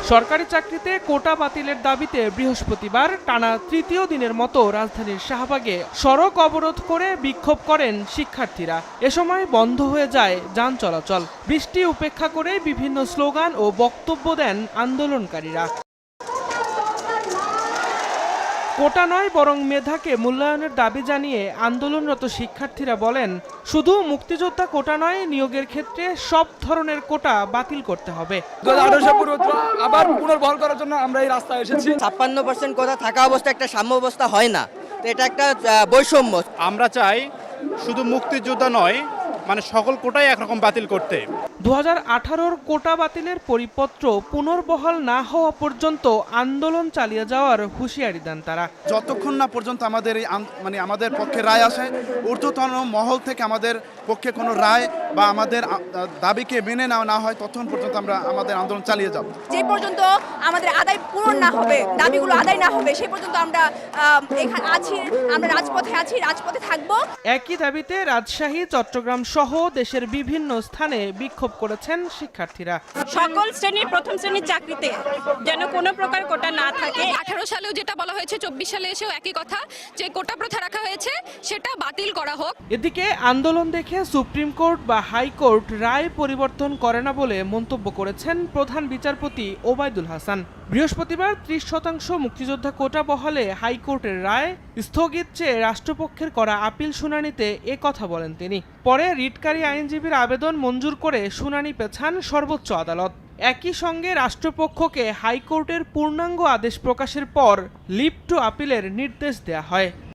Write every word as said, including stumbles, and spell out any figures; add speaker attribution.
Speaker 1: সরকারি চাকরিতে কোটা বাতিলের দাবিতে বৃহস্পতিবার টানা তৃতীয় দিনের মতো রাজধানীর শাহবাগে সড়ক অবরোধ করে বিক্ষোভ করেন শিক্ষার্থীরা। এ সময় বন্ধ হয়ে যায় যান চলাচল। বৃষ্টি উপেক্ষা করে বিভিন্ন স্লোগান ও বক্তব্য দেন আন্দোলনকারীরা। কোটা নয় বরং মেধাকে মূল্যায়নের দাবি জানিয়ে আন্দোলনরত শিক্ষার্থীরা বলেন, শুধু মুক্তিযোদ্ধা কোটা নয়, নিয়োগের ক্ষেত্রে সব ধরনের কোটা বাতিল করতে হবে।
Speaker 2: আবার পুনর্বহাল করার জন্য আমরা এই রাস্তায় এসেছি।
Speaker 3: ছাপ্পান্ন পার্সেন্ট কোটা থাকা অবস্থা একটা সাম্য অবস্থা হয় না, তো এটা একটা বৈষম্য।
Speaker 4: আমরা চাই শুধু মুক্তিযোদ্ধা নয়, মানে সকল কোটাই একরকম বাতিল করতে।
Speaker 1: দু হাজার আঠারোর কোটা বাতিলের পরিপত্র পুনর্বহাল না হওয়া পর্যন্ত আন্দোলন চালিয়ে যাওয়ার হুঁশিয়ারি দেন তারা।
Speaker 5: যতক্ষণ না পর্যন্ত আমাদের এই মানে আমাদের পক্ষে রায় আসে, ঊর্ধ্বতন মহল থেকে আমাদের পক্ষে কোনো রায় বা আমাদের দাবিকে মেনে নেওয়া না হয়, ততক্ষণ পর্যন্ত আমরা আমাদের আন্দোলন চালিয়ে যাব।
Speaker 6: যে পর্যন্ত আমাদের আদায় পূরণ না হবে, দাবিগুলো আদায় না হবে, সেই পর্যন্ত আমরা এখানে আছি, আমরা রাজপথে আছি, রাজপথে থাকবো।
Speaker 1: একই দাবিতে রাজশাহী, চট্টগ্রাম সহ দেশের বিভিন্ন স্থানে বিক্ষোভ করেছেন শিক্ষার্থীরা।
Speaker 7: সকল শ্রেণীর প্রথম শ্রেণীর চাকরিতে যেন কোনো প্রকার কোটা না থাকে।
Speaker 8: আঠারো সালেও যেটা বলা হয়েছে, চব্বিশ সালে এসেও একই কথা, যে কোটা প্রথা রাখা হয়েছে সেটা বাতিল করা হোক।
Speaker 1: এদিকে আন্দোলন দেখে সুপ্রিম কোর্ট বা হাইকোর্ট রায় পরিবর্তন করে না বলে মন্তব্য করেছেন প্রধান বিচারপতি ওবায়দুল হাসান। বৃহস্পতিবার ত্রিশ শতাংশ মুক্তিযোদ্ধা কোটা বহালে হাইকোর্টের রায় স্থগিত চেয়ে রাষ্ট্রপক্ষের করা আপিল শুনানিতে এ কথা বলেন তিনি। পরে রিটকারী আইনজীবীর আবেদন মঞ্জুর করে শুনানি পেছান সর্বোচ্চ আদালত। একই সঙ্গে রাষ্ট্রপক্ষকে হাইকোর্টের পূর্ণাঙ্গ আদেশ প্রকাশের পর লিভ টু আপিলের নির্দেশ দেয়া হয়।